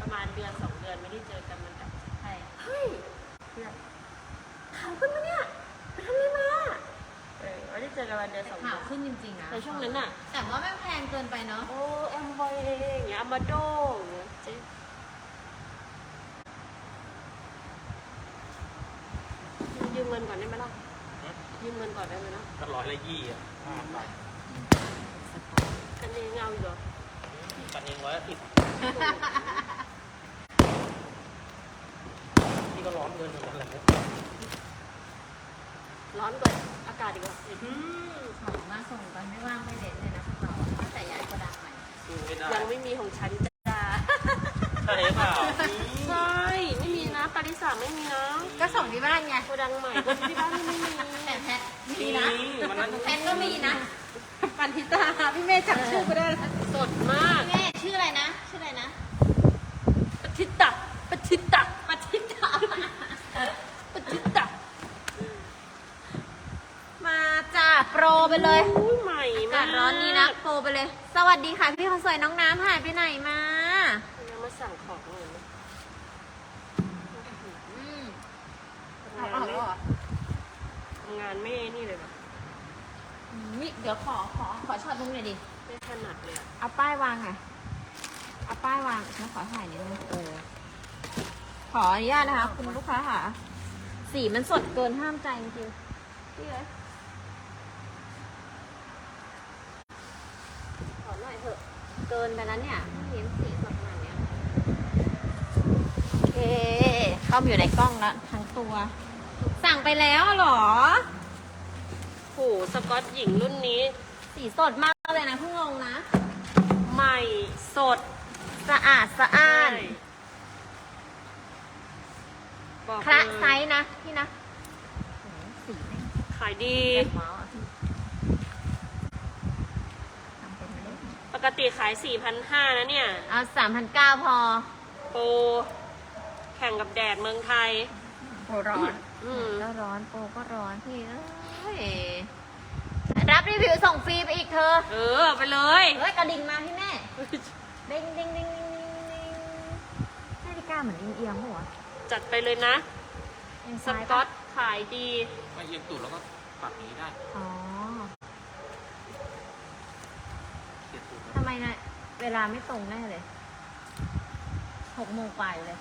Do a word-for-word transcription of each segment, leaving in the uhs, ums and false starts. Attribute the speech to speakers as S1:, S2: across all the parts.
S1: ประมาณเดือนสองเดือนไม่ได้เจอกันมันแบบใช่
S2: เฮ้ยเพื่อนขาวขึ้นมาเนี่ยไปทำอะไรมา
S1: เออไม่ได้เจอกันวันเดือนสองเดื
S3: ข่า
S1: อ
S3: วน ขึ้นจริงๆนะ
S1: ในช่วงนั้นน่ะ
S3: แต่ว่าไม่แพงเกินไปเนาะ
S1: โอ้แอมบอยอย่างเงี้ยมาโดอย่างเงี้ยเจ๊ยืมเงินก่อนได้ไหมล่ะยืมเงินก่อนได้ไหมนะ
S4: ก็ร้อยละยี่อ่ะห้าไป
S1: กันเองเอาอยู่เหรอ
S4: กันเองร้อยละสิบนี่ก็ร้อนเงินเหมือนกันแหละ
S1: ร้อนกว่าอากาศอีกเหรอ
S3: ของมาส่งกันไม่ว่างไม่เด็ดเลยนะพวกเราแต่ยายก็ดังใหม่
S1: ยังไม่มีของฉันจ้า
S4: ใช่เปล่า
S1: ใช่ไม่มีนะปาริสาไม่มีนะ
S3: ก็ส่งที่บ้านไง
S1: โกดังใหม่ก็ที่บ้านไม่มี
S3: แต่แพทมีนะแพทก็มีนะ
S1: ปันทิตาพี่เมย์จำชื่อไม่ได้สดมาก
S3: แม่ชื่ออะไรนะชื่ออะไรนะ
S1: ปทิตาปทิตา
S3: ปทิตา
S1: ปทิตา
S3: มาจ้าโปรไปเลย
S1: ใหม่
S3: มากร้อนนี้นะโปรไปเลยสวัสดีค่ะพี่คนสวยน้องน้ำหายไปไหนมา
S1: ยังมาสั่งของเลย
S3: อืม
S1: ทำงานไม่ทำงานไม่นี่เลยแบบ
S3: นี่เดี๋ยวขอขอขอช็อตตรงนี้ดิ
S1: ไม่ถนัดเลย
S3: เอาป้ายวางไงเอาป้ายวางแล้วขอถ่ายนิดนึงเออขออนุญาตนะคะคุณลูกค้าค่ะสีมันสดเกินห้ามใจจริงๆพี่เลยขอหน่อยเถอะเกินไปแล้วเนี่ยเห็นสีสดขนาดเนี้ยโอเคเข้ามาอยู่ในกล้องแล้วทั้งตัวสั่งไปแล้วเหรอ
S1: โหสกอตหญิงรุ่นนี้
S3: สีสดมากเลยนะเพิ่งลงนะ
S1: ใหม่สด
S3: สะอาดสะอ้านคละไซส์นะพี่นะสี
S1: ขายดีปกติขาย สี่พันห้าร้อย นะเนี่ย
S3: เอา สามพันเก้าร้อย พอ
S1: โปรแข่งกับแดดเมืองไทย
S3: โปรร้อน
S1: อืม
S3: ก็ร้อนโปรก็ร้อนพี่เอ้ยรับรีวิวส่งฟรีไปอีกเธอ
S1: เออไปเลย
S3: เฮ้ยกระดิ่งมาพี่แม่เด้งเด้งเด้งเด้งนาฬิกาเหมือนเอียงๆหัว
S1: จัดไปเลยนะสกอตขายดี
S4: ไม่เอียงตูดแล้วก็ปรับนี้ได้
S3: อ๋อทำไมนะเวลาไม่ตรงแน่เลยหกโมงไปเลย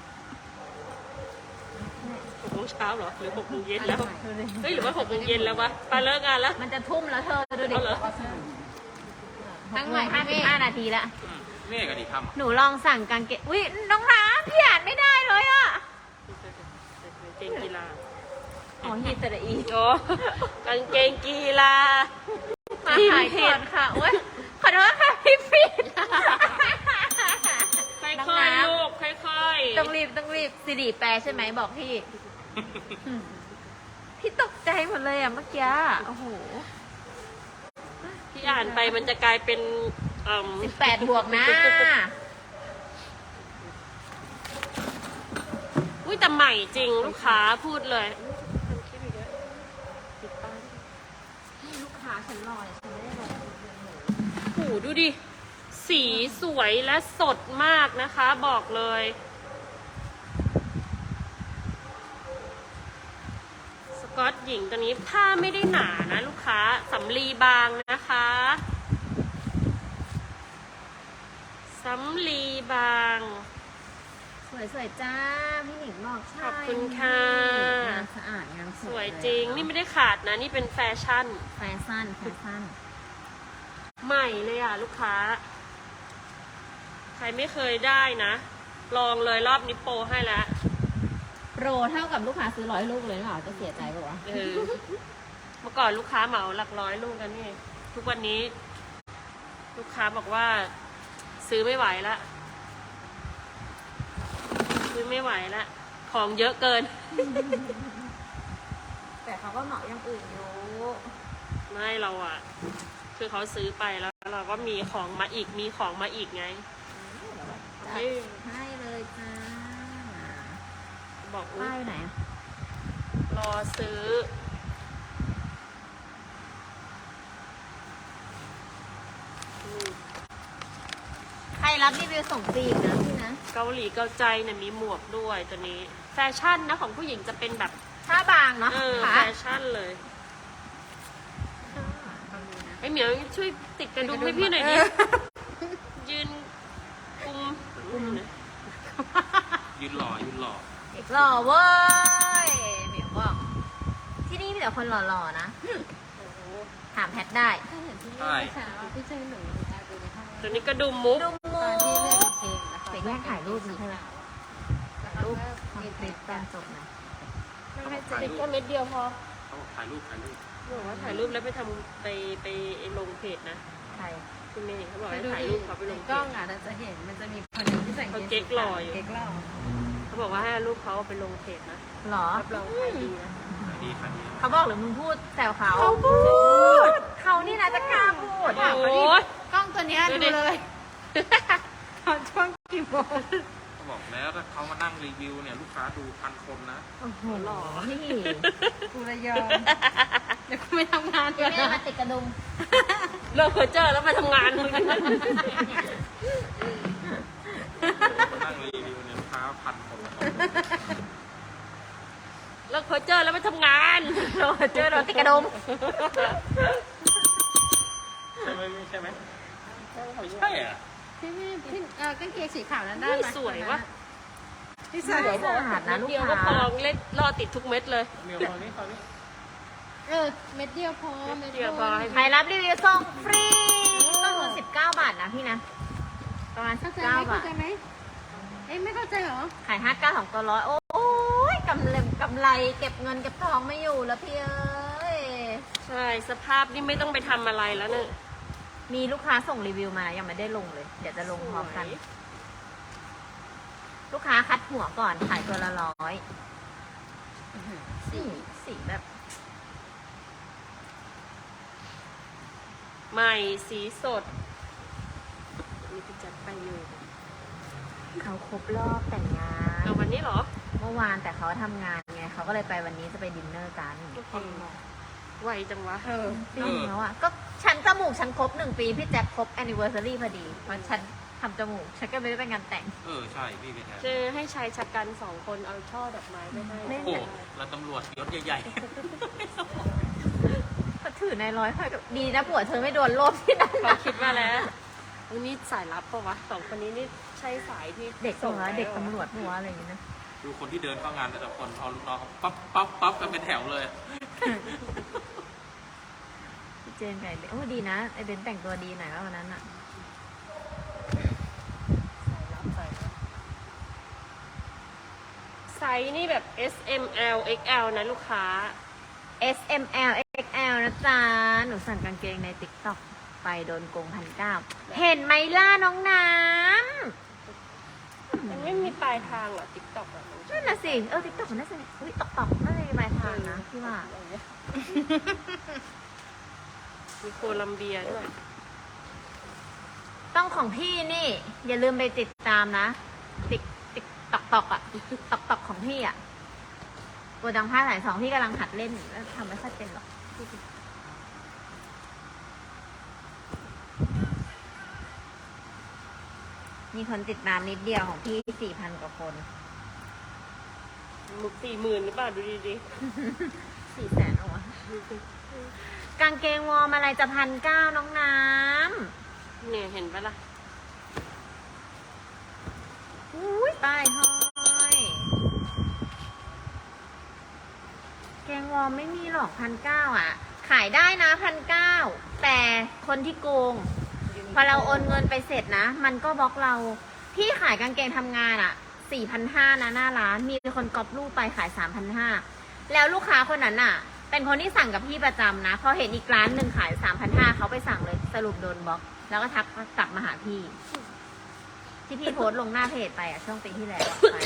S1: หกโมงเช้าเหรอหรือหกโมงเย็นแล้วเฮ้ยหรือว่าหกโมงเย็นแล้ววะปาเลิกงานแล้ว
S3: มันจะทุ่มแล้วเธอดูดิทั้งหมดห้าสิบห้านาทีละ
S4: เมฆกันดิทำ
S3: หนูลองสั่งกางเกงอุ้ยน้องน้ำพี่อ่านไม่ได้เลยอ่ะ
S1: เกงกีฬา
S3: อ๋อฮีตระอี
S1: โอ้กางเกงกีฬา
S3: มาขายก่อนค่ะโอ้ยขอโทษค่ะพี่ฟิด
S1: ค่อยๆลูกค่อย
S3: ๆต้องรีบต้องรีบสิริแปลใช่ไหมบอกพี่พี่ตกใจหมดเลยอ่ะเมื่อกี้โอ้โห
S1: พี่อ่านไปมันจะกลายเป็น
S3: สิบแปดบวกนะ
S1: อุ้ยแต่ใหม่จริงลูกค้าพูดเลย
S3: ลูกค้าฉันรอฉันไม่ได้รอ
S1: โหดูดิสีสวยและสดมากนะคะบอกเลยสกอตหญิงตัวนี้ผ้าไม่ได้หนานะลูกค้าสำลีบางนะคะสำลีบาง
S3: สวยๆจ้าพี่หนิงบอกใช่
S1: ขอบคุณค่ะ
S3: งานสะอาดงาน
S1: สวยจริงนี่ไม่ได้ขาดนะนี่เป็นแฟชั่น
S3: แฟชั่นแฟชั่น
S1: ใหม่เลยอ่ะลูกค้าใครไม่เคยได้นะลองเลยรอบนี้โปรให้แล้ว
S3: โปรเท่ากับลูกค้าซื้อร้อยลูกเลยเหรอจะเสียใจปะวะ
S1: เออเมื่อก่อนลูกค้าเหมาหลักร้อยลูกกันนี่ทุกวันนี้ลูกค้าบอกว่าซื้อไม่ไหวละซื้อไม่ไหวละของเยอะเกิน
S3: แต่เขาก็เหมาอย่างอื่นอยู่
S1: ไม่เราอ่ะคือเขาซื้อไปแล้วเราก็มีของมาอีกมีของมาอีกไง
S3: ให้ให้เลยจ้า
S1: บอก
S3: ป้ายไหน
S1: รอซื้อใคร
S3: รับรีวิวส่งฟรีนะพี่นะ
S1: เกาหลีเกาใจเนี่ยมีหมวกด้วยตัวนี้ แฟชั่นนะของผู้หญิงจะเป็นแบบ
S3: ผ้าบางเนาะ
S1: เออ
S3: ค่ะ
S1: แฟชั่นเลยไอเหมียวช่วยติดกระดุมให้พี่หน่อยดิยืนกุมกุมหน่อย
S4: ยืนหล่อยืนหล่อ
S3: หล่อเว้ยเหมียวบอกที่นี่มีแต่คนหล่อๆนะ
S1: โอ้โห
S3: ถามแพทได้
S2: ถ้าเห็นที่นี่
S4: ใช่
S2: เมื่อเช้าพี่เจอหนูแอบดูในห้อง
S1: ตัวนี้กระดุมมุก
S3: ดูมู
S2: ตอนที่เล่นเพลงแล้วเขา
S3: ไปแย่งถ่ายรูปนะใช่ไหม
S2: แล้วเขา
S3: รูป
S2: ก็
S3: ทำ
S2: มี
S3: ค
S2: ค
S3: ลิ
S2: ลิ
S3: ป
S2: ป
S3: ตอน
S2: แบบ
S3: จบนะ
S1: ไม่ให้จะติดแค่เม็ดเดียวพอ
S4: เขาบอกถ่ายรูปถ่ายรูป
S1: บอกว่าถ่ายรูปแล้วไปทำไปไปลงเพจนะ
S3: ใคร
S1: คุณเมย์เขาบอก
S2: ไป
S1: ให้
S2: ดู
S1: ถ่าย
S2: ดิ
S1: รูปเขาไปล
S2: ใน
S1: งเพ
S2: กล้อง
S1: จ
S2: อ่ะเราจะเห็นมันจะมีคนหนึงที่ใส่กาง
S1: เขา
S2: เกง
S1: เก๊กหล่ออยู่
S2: เก๊กหล่อ
S1: เขาบอกว่าให้เอารูปเขาไปลงเพจนะ
S3: หรอ
S1: รับรองขายดีนะ
S4: ถ่ายดีถ่ายดี
S3: เขาบอกหรือมึงพูดแซวเขา
S1: เขาพูด
S3: เขานี่นะจะกล้าพูด
S1: โอ้ย
S2: กล้องตัวเนี้ย
S1: ดู
S2: ดู
S1: ดิ
S2: เลยตอนช่วงกี่โมง
S4: เขาบอกแล้วถ้าเขามานั่งรีวิวเนี่ยลูกค้าดูพันคนนะ
S3: โอ้โหหล่อนี่
S2: กูระยอมเดี๋ยวกูไม่ทำงาน
S3: พี่
S2: ก่อน
S3: แม่
S2: นะ
S3: มาติดกระดุม
S1: เลิกเพอเจอร์แล้วไปทำงานมึง
S4: มานั่งรีวิวเนี่ยลูกค้าพันคนนะ
S1: เลิกเพอเจอร์แล้วไปทำงาน
S3: เราเจอเราติดกระดุม
S4: ใช่ไหมใช่ไหมไม่ใช่อ่ะ
S2: พี่พี่พี่เออกางเกงสีขาวนั้นได้
S1: นี่
S2: ไหม
S1: สวยวะ
S2: พี่สวย
S3: สะอาดนะลูก
S1: เดียวก็
S3: ค้า
S1: พอเล่นรอติดทุกเม็ดเลย
S4: เมียวตอนนี้ตอนนี้
S2: เออเม็ดเดียวพอเม็ด
S1: เดียวพอให้
S3: ใครรับรีวิวส่งฟรีต้องเงินสิบเก้าบาทนะพี่นะ ประมาณสิ
S2: เข้า
S3: บ
S2: ใจ
S3: เก้า
S2: ไหม
S3: บา
S2: เข้า
S3: ท
S2: ใจไหมเอ้ยไม่เข้าใจเหรอ
S3: ขายห้าเก้าสองตัวร้อยโอ้ยกำไรกำไรเก็บเงินเก็บทองไม่อยู่แล้วพี่เอ้ย
S1: ใช่สภาพนี่ไม่ต้องไปทำอะไรแล้วเนี่ย
S3: มีลูกค้าส่งรีวิวมายังไม่ได้ลงเลย เดี๋ยวจะลงพร้อมกัน
S1: สวย
S3: ลูกค้าคัดหัวก่อนขายตัวละร้อยสีสีแบบ
S1: ใหม่สีสดมีพี่จัดไปอยู่
S3: เขาครบรอบแต่งงาน
S1: เอาวันนี้เหรอ
S3: เมื่อวานแต่เขาทำงานไงเขาก็เลยไปวันนี้จะไปดินเนอร์กัน
S1: ไวจังวะ
S2: เออ
S3: จริงแล้วอ่ะก็ฉันจมูกฉันครบหนึ่งปีพี่แจ็คครบแอนนิเวอร์ซารีพอดีมันฉันทำจมูกฉันก็ไม่ได้ไปงานแต่ง
S4: เออใช่พี่เป็นไง
S1: เจอให้ชายชะกันสองคนเอาช่อดอกไม้ไปให้
S3: เล่น
S4: โอ้โหแล้วตำรวจยศใหญ่
S3: เขาถือในร้อยค่อยกับดีนะผัวเธอไม่โดนโลบที่นั่น
S1: เขาคิดว่าแล้ววันนี้สายลับปะวะสองคนนี้นี่ใช่สายที่
S3: เด็ก
S1: ส่
S3: ส่
S1: ง
S3: ง
S1: ไป
S3: แล้วเด็ก
S1: หอ
S3: ตำรวจหัวอะไรอย่างเงี้ยนะ
S4: ๆดูคนที่เดินเข้างานแต่ละคนเอาลูกน้องเขาปั๊บปั๊บปั๊บกันเป็นแถวเลย
S3: พี่เจนไก่โอ้ดีนะไอเบนแต่งตัวดีหน่อยว่าวันนั้นอ่ะ
S1: ไซส์นี่แบบ S M L X L นะลูกค้า
S3: S M L X L นะจ๊ะหนูสั่งกางเกงในติ๊กต็อกไปโดนโกงพันเก้าเห็นไหมล่ะน้องน้ำ
S1: มันไม่มีปลายทางเหรอติ๊กต็อกอะ
S3: นั่นน่ะสิเออติ๊กต็อกมันน่าจะอุ้ยตอกตอกน่าจะมีปลายทางนะพี่ว่า
S1: มีโคลัมเบียด้วย
S3: ต้องของพี่นี่ อย่าลืมไปติดตามนะ ติ๊กติ๊กตอกตอกอะตอกตอกของพี่อะโกดังผ้าสายสองพี่กำลังหัดเล่นแล้วทำไม่ค่อยเป็นหรอกมีคนติดตามนิดเดียวของพี่สี่พันกว่าคน
S1: มุกสี่หมื่นหรือเปล่าดูดี
S3: สี่แสนเอาวะกางเกงวอร์มอะไรจะพันเก้าน้องน้ำ
S1: ๆเนี่ยเห็นปะล่ะ
S3: อุ้ยป้ายห้อย แกงวอร์มไม่มีหรอกพันเก้าอ่ะ ขายได้นะพันเก้าแต่คนที่โกง พอเราโอนเงินไปเสร็จนะ มันก็บล็อกเรา พี่ขายกางเกงทำงานอ่ะสี่พันห้านะหน้าร้าน มีคนก๊อปรูปไปขายสามพันห้าแล้วลูกค้าคนนั้นอ่ะ เป็นคนที่สั่งกับพี่ประจำนะ พอเห็นอีกร้านหนึ่งขายสามพันห้าเขาไปสั่งเลยสรุปโดนบล็อก แล้วก็ทักกลับมาหาพี่ ที่พี่โพสต์ลงหน้าเพจไปอ่ะช่วงปีที่แล้วอะไป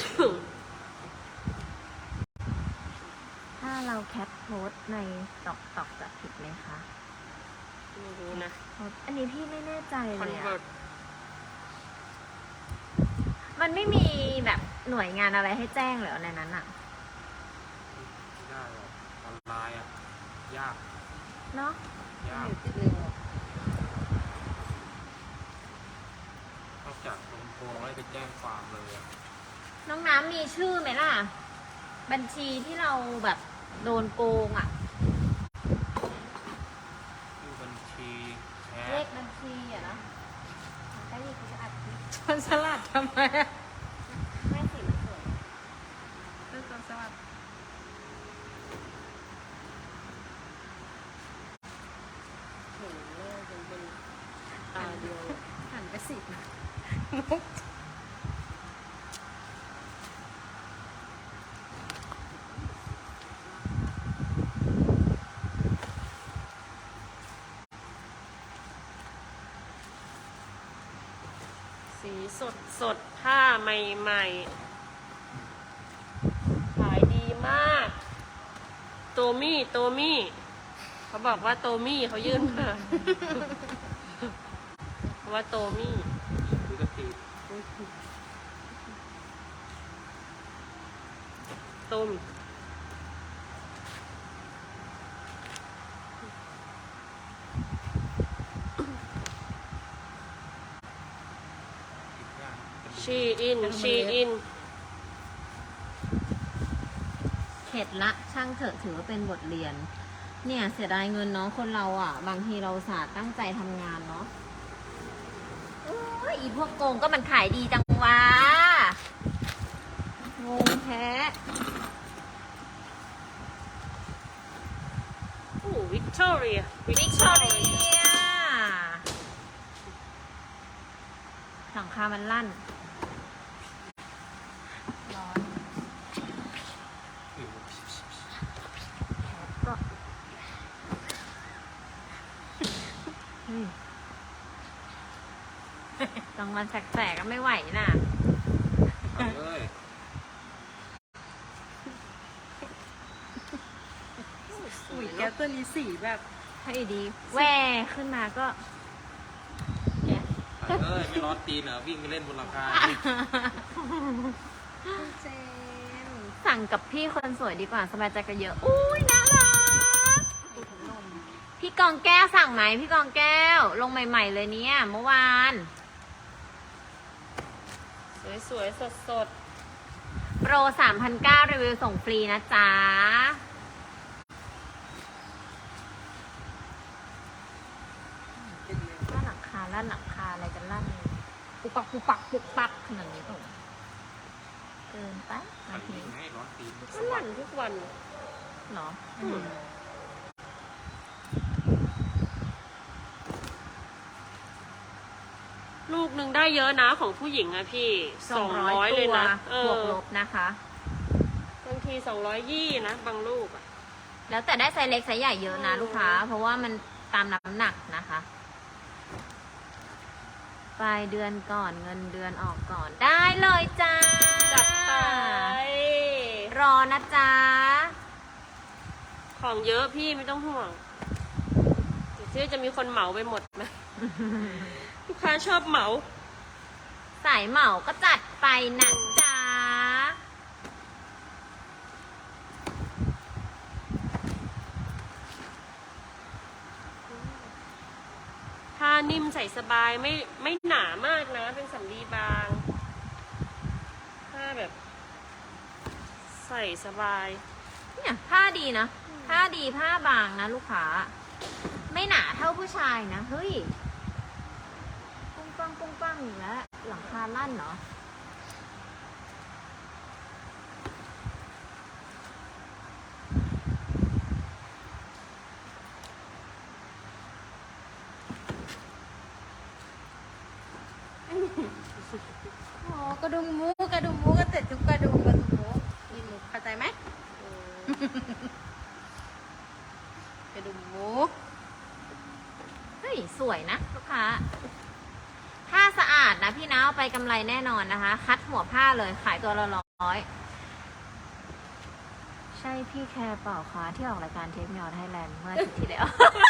S3: ถ้าเราแคปโพสต์ในตอกตอกจะผิดไหมคะ
S1: ไม่รู้นะ
S3: โพสต์อันนี้พี่ไม่แน่ใจ
S1: คอน
S3: เลย
S1: เวิ
S3: อะ
S1: ร์ต
S3: มันไม่มีแบบหน่วยงานอะไรให้แจ้งเหรอในนั้นอะ
S4: ยากหรอกออนไลน์อ่ะยาก
S3: เนาะ
S4: ยาก
S2: ติดเร็ว
S4: ต้องจากโดนโกงไล่ไปแจ้งความเลยอะ
S3: น้องน้ำมีชื่อไหมล่ะ บัญชีที่เราแบบโดนโกงอ่ะ
S4: ชื่อบัญชีแช
S3: เล
S4: ท
S3: ขบัญชีอ่ะนะได้ยินเขาจะอัดคลิป
S2: คนสลัดทำไมอะ
S3: ไม่สิมันสวย
S2: เรื่องคนสลัด
S1: เห็นหน้าเป็นเป็นตาเดียว
S2: หันไปสินะ
S1: สีสดสดผ้าใหม่ๆ ขายดีมาก โตมี่โตมี่เขาบอกว่าโตมี่เขายื่นมาเพราะว่าโตมี่
S4: ซื้อกระติก
S1: โตมี่
S4: ติดย่างเป็น
S1: ชีอินชีอิน
S3: เข็ดละช่างเถอะถือว่าเป็นบทเรียน เนี่ยเสียดายเงินเนาะคนเราอ่ะ บางทีเราศาสตร์ตั้งใจทำงานเนาะโอ้ยอีพวกโกงก็มันขายดีจังวะงงแท้
S1: โอ้วิกตอเรีย
S3: วิกตอเรียหลังคามันลั่น ร้อน
S4: ผิว
S3: ก็เฮ้ยกลางวันแสกๆก็ไม่ไหวน่ะ
S4: เอาเลย
S2: อุ้ยแก้วตัวนี้สีแบบ
S3: ให้ดีแหวขึ้นมาก็
S4: เอาเลยไม่ร้อนตีนเหรอวิ่งไปเล่นบนหลังคา
S2: เจน
S3: สั่งกับพี่คนสวยดีกว่าสบายใจกันเยอะ อุ้ยน่ารัก พี่กองแก้วสั่งไหมพี่กองแก้ว ลงใหม่ๆเลยเนี่ยเมื่อวาน
S1: สวยๆ สด
S3: โปร สามพันเก้าร้อย รีวิวส่งฟรีนะจ๊ะ
S2: เป็นเลย
S3: ลั่นหลังคาลั่นหลังคาอะไรกันลั่นปุกปักปุกปักปุกปักขนาดนี้ตรงเกินไป
S4: ไป
S3: บางที
S4: ให้ร้อนตีน
S1: ๆมันหลั่นทุกวัน
S3: เหรอ
S1: อืม ลูกหนึ่งได้เยอะนะของผู้หญิงอะพี่
S3: สองร้อย
S1: เลย
S3: ตัว
S1: นะเอบ
S3: วก
S1: อ
S3: ลบนะคะ
S1: บางทีสองร้อยยี่นะ บางลูกอะ
S3: แล้วแต่ได้ไซส์เล็กไซส์ใหญ่เยอะนะลูกค้า เพราะว่ามันตามน้ำหนักนะคะปลายเดือนก่อนเงินเดือนออกก่อนได้เลยจ้า
S1: จัดไป
S3: รอนะจ๊ะ
S1: ของเยอะพี่ไม่ต้องห่วงเดี๋ยวชื่อจะมีคนเหมาไปหมดไหม ลูกค้าชอบเหมา
S3: สายเหมาก็จัดไปนะจ๊ะ
S1: ผ้านิ่มใส่สบายไม่ไม่หนามากนะ เป็นสำลีบาง ผ้าแบบ ใส่สบาย
S3: เนี่ยผ้าดีนะผ้าดีผ้าบางนะลูกค้า ไม่หนาเท่าผู้ชายนะ เฮ้ย ปุ้งปังปุ้งปังอีกแล้ว หลังคาลั่นเหรอ
S2: อ๋อกระดุมหมูกระดุมหมูก็เสร็จทุกกระดุมกระดุมหมูมีหมูเข้าใจไหมกระดุมหมู
S3: เฮ้ย สวยนะลูกค้า ผ้าสะอาดนะพี่นะเอาไปกำไรแน่นอนนะคะ คัดหัวผ้าเลยขายตัวละร้อย ใช่พี่แคร์เปล่าคะที่ออกรายการเทปยอดไทยแลนด์เมื่ออาทิตย์ที่แล้ว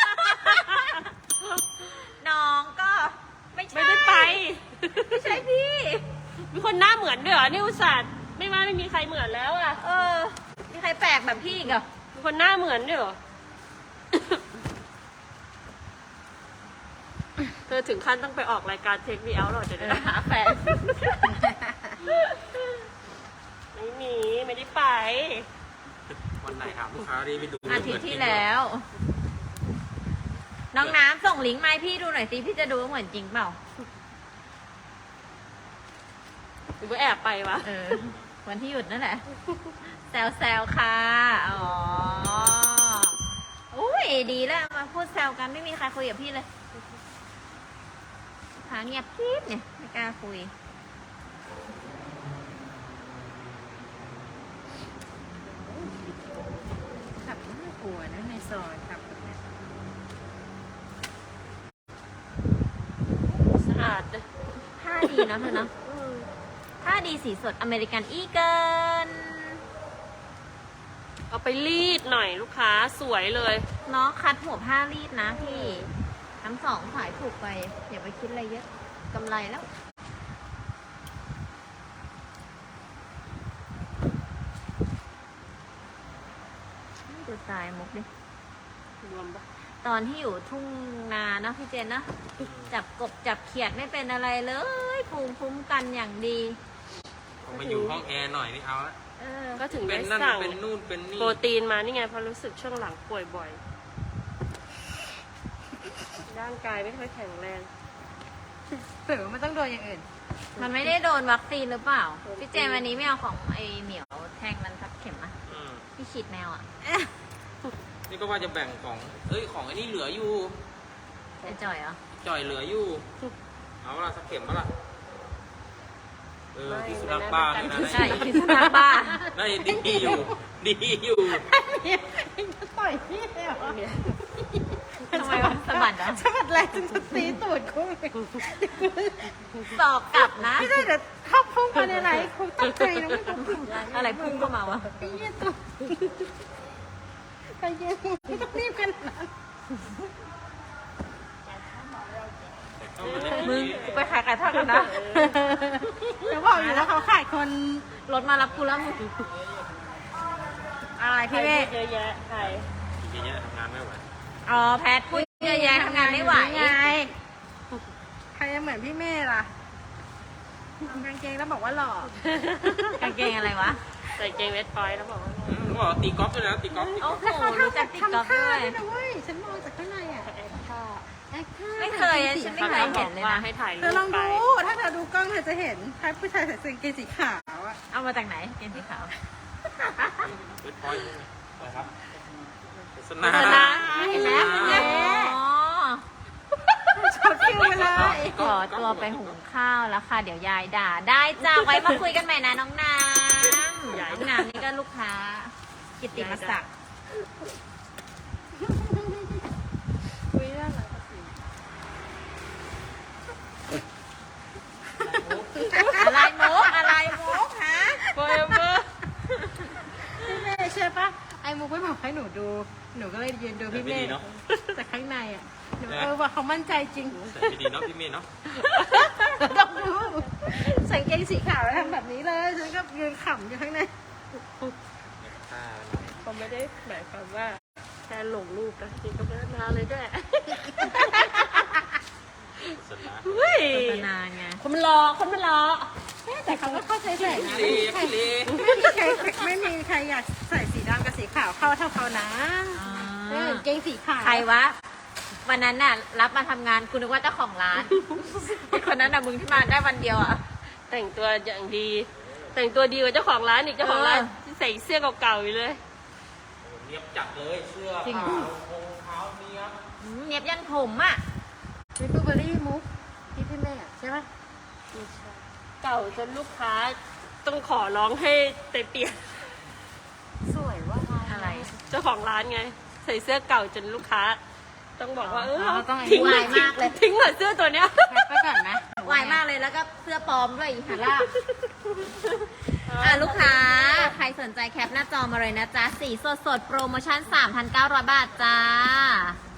S3: น้องก็ไม่ใช่
S1: ไม่ได้ไป
S3: ไม่ใช่พี่
S1: มีคนหน้าเหมือนด้วยเหรอนี่อุตส่าห์ไม่ว่าไม่มีใครเหมือนแล้วอะ
S3: เออ มีใครแปลกแบบพี่อีกเหรอ
S1: มีคนหน้าเหมือนด้วยเหรอธอถึงขั้นต้องไปออกรายการเทคมีเอาหรอเดี๋ยว
S3: เอ
S1: เดี๋
S3: อ
S1: ยว
S3: หาแฟน
S1: ไม่มีไม่ได้ไป
S4: วันไหนถามลูกค้าดีไปดู
S3: อาทิตย์ที่แล้ว น้องน้ำส่งลิงก์มาให้พี่ดูหน่อยสิพี่จะดูว่าเหมือนจริงเปล่า
S1: หรือว่าแอบไปวะ
S3: เออ วันที่หยุดนั่นแหละ แซวแซวค่ะ อ๋อ อุ้ยดีแล้วมาพูดแซวกันไม่มีใครคุยกับพี่เลยหาเงียบกริบเนี่ยไม่กล้าคุย
S2: ขับน่ากลัวนะในซอยขับแบบเนี้ย
S1: สะอาดเลย
S3: ผ้าดีเนาะเธอเนาะผ้าดีสีสดอเมริกันอีเกิน
S1: เอาไปรีดหน่อยลูกค้าสวยเลย
S3: เนาะคัดหัวผ้ารีดนะพี่ ทั้งสองสายถูกไป อย่าไปคิดอะไรเยอะกำไรแล้วดูสายมุกดิ
S1: รวมปะ
S3: ตอนที่อยู่ทุ่งนาเนอะพี่เจนนะ จับกบจับเขียดไม่เป็นอะไรเลยภูมิคุ้มกันอย่างดี
S4: ผมไปอยู่ห้องแอร์หน่อยนี่เอาละ
S3: เออ
S1: ก็ถึง
S4: เป็
S1: ได้
S4: นนั่น
S1: สั่ง
S4: เป็นนู่นเป็นนี่
S1: โปรตีนมานี่ไงเพราะรู้สึกช่วงหลังป่วยบ่อย ร่างกายไม่ค่อยแข็งแรง
S2: หรือว่ามันต้องโดนอย่างอื่น
S3: มันไม่ได้โดนวัคซีนหรือเปล่า พี่เจนวันนี้ไม่เอาของไอเหมียวแทงมันทับเข็มอะ
S4: อืม
S3: พี่ฉีดแมวอะ
S4: นี่ก็ว่าจะแบ่งของเอ้ยของไอ้นี่เหลืออยู่
S3: ไอจ่อยเหรอ
S4: จ่อยเหลืออยู่ เอาละสักเข็มปะล่ะเออ
S1: ไม่
S4: ที่สุนัขบ้าเลยนะ
S3: ใช่พิษสุนัขบ้า
S4: ได้ดีอยู่ ดีอยู่
S2: ต่อยพี่เลยเหรอ
S3: ทำไมวะสะบัดเหรอ
S2: สะบัดแรงจนจะตีตูดกูเลย
S3: สอบกลับนะ
S2: ไม่ได้เดี๋ยวเข้าพุ่งมาในไหนคงตกใจนะไม่ต้องพุ่ง
S3: อะไรพุ่งเข้ามาวะ
S2: ไอ้เหี้ยตัวไปเย็นไม่ต้องรีบกันนะ
S4: เข้ามาเล่น
S3: มึง
S4: นี้
S3: กูไปขายไก่ทอดกันนะ
S2: เดี๋ยวบอกอยู่แล้วเขาขายคน
S3: รถมารับกูแล้วมึง
S2: อะไร
S1: ใคร
S2: พี่เม
S1: พู
S2: ฆ
S1: ดเยอะแยะใคร
S4: ทีนี้ทำงานไม่ไหว
S3: อ๋อแพทพูดเยอะแยะทำงานไม่ไหว
S2: ไงใครจะเหมือนพี่เมฆล่ะกางเกงแล้วบอกว่าหล่อก
S3: างเกงอะไรวะ
S1: ใส่เกงเวทพอยต์แล้วบอกว่า
S4: อืมเขาบอกตีกอล์ฟด้วยนะตีกอล์ฟตีก
S3: โอ้
S4: อล์ฟ
S3: โหรู้จักติ๊กต็อก
S2: ทำท่า
S3: ด้วย
S2: ด้วยนะเว้ยฉันมองจากข้างในอ่ะ
S1: แอคท่า
S2: แอคท่า
S3: ไม่เคยอะฉันไม่เคยเห็นเลย
S1: ว่า
S3: นะ
S1: ให้ถ่าย
S2: เธ
S1: รู
S2: อล
S1: ป
S2: อง
S1: ไป
S2: ดูถ้าเธอดูกล้องเธอจะเห็นชายผู้ชายใส่เสื้อกางเกงสีขาวอ่ะ
S3: เอามาจากไหนเกงสีขาว
S4: เวทพอยต์อะไรครับโฆษ
S1: โฆ
S4: ณา
S1: ษณา
S3: เห็นไหม
S2: อ๋อ
S3: อ๋อ
S2: ชอบคิวไปเลย
S3: ขอตัวไปหุงข้าวแล้วค่ะ เดี๋ยวยายด่า ได้จ้าไว้มาคุยกันใหม่นะน้องน้ำ
S1: ยาย
S3: น้องน้ำนี่ก็ลูกค้า กิตติมศักดิ์
S2: คุยเรื่องอะไรกันสิ
S3: อะไรมุกอะไรมุกฮะ
S1: โฟเอเวอร์
S2: พี่เมย์เชื่อปะไอ้มุกไม่บอกให้หนูดู หนูก็เลยยืนดูพี่เม
S4: ไม่ดี
S2: ย์
S4: เนาะ
S2: จากข้างในอ่ะหนูเออว่าเขามั่นใจจริง
S4: ใส่ไม่ดีเนาะพี่เมย์เนาะ
S2: ต้องดูใส่กางเกงสีขาวแล้วทำแบบนี้เลยฉันก็ยืนขำอยู่ข้างใน
S4: ท่า
S1: เขาไม่ได้หมายความว่าแค่หลงรูปนะจริงก็ไม่ได้มาเลยด้วย
S4: โฆษณา
S1: เฮ้ย
S3: โฆษณาไง
S1: คนมันรอคนมันรอ
S2: แต่เขาก็เข้าใจใส่นะ
S4: พี่เลพี่เล
S2: ไม่มีใครไม่มีใครอยากใส่สีดำกับสีขาวเข้าเท่าเขานะเออกางเกงสีขาว
S3: ใครวะ วันนั้นน่ะ รับมาทำงานกูนึกว่าเจ้าของร้าน ไอ้คนนั้นน่ะมึงที่มาได้วันเดียวอ่ะ
S1: แต่งตัวอย่างดี แต่งตัวดีกว่าเจ้าของร้านอีกเจ้าของร้าน
S3: เออ
S1: ที่ใส่เสื้อเก่าๆอยู่เลย
S4: เนียบจัดเลยเสื้อ
S3: จริง
S4: ขาวรองเท้าเนียบ
S3: อืมเนียบยันผมอ่ะ
S2: วิปเปอร์รี่มุกที่พี่แม่ใช่ไหม
S1: เก่าจนลูกค้าต้องขอร้องให้ไปเปลี่ยน
S2: สวยว่า
S3: อะไร
S1: เจ้าของร้านไง ใส่เสื้อเก่าจนลูกค้า ต้องบอกว่าเออ
S2: เราต้อง
S1: ทิ้ง
S3: วา
S1: เลย
S3: มากเลย
S1: ทิ้งเหรอเสื้อตัวเนี้ย
S2: แคปไปก่อนไหม
S3: วายมากเลยแล้วก็เสื้อปลอมด้วยอีหาล่าบอ่ะลูกค้า ใครสนใจแคปหน้าจอมาเลยนะจ๊ะ สีสดสดๆโปรโมชั่น สามพันเก้าร้อย บาทจ้า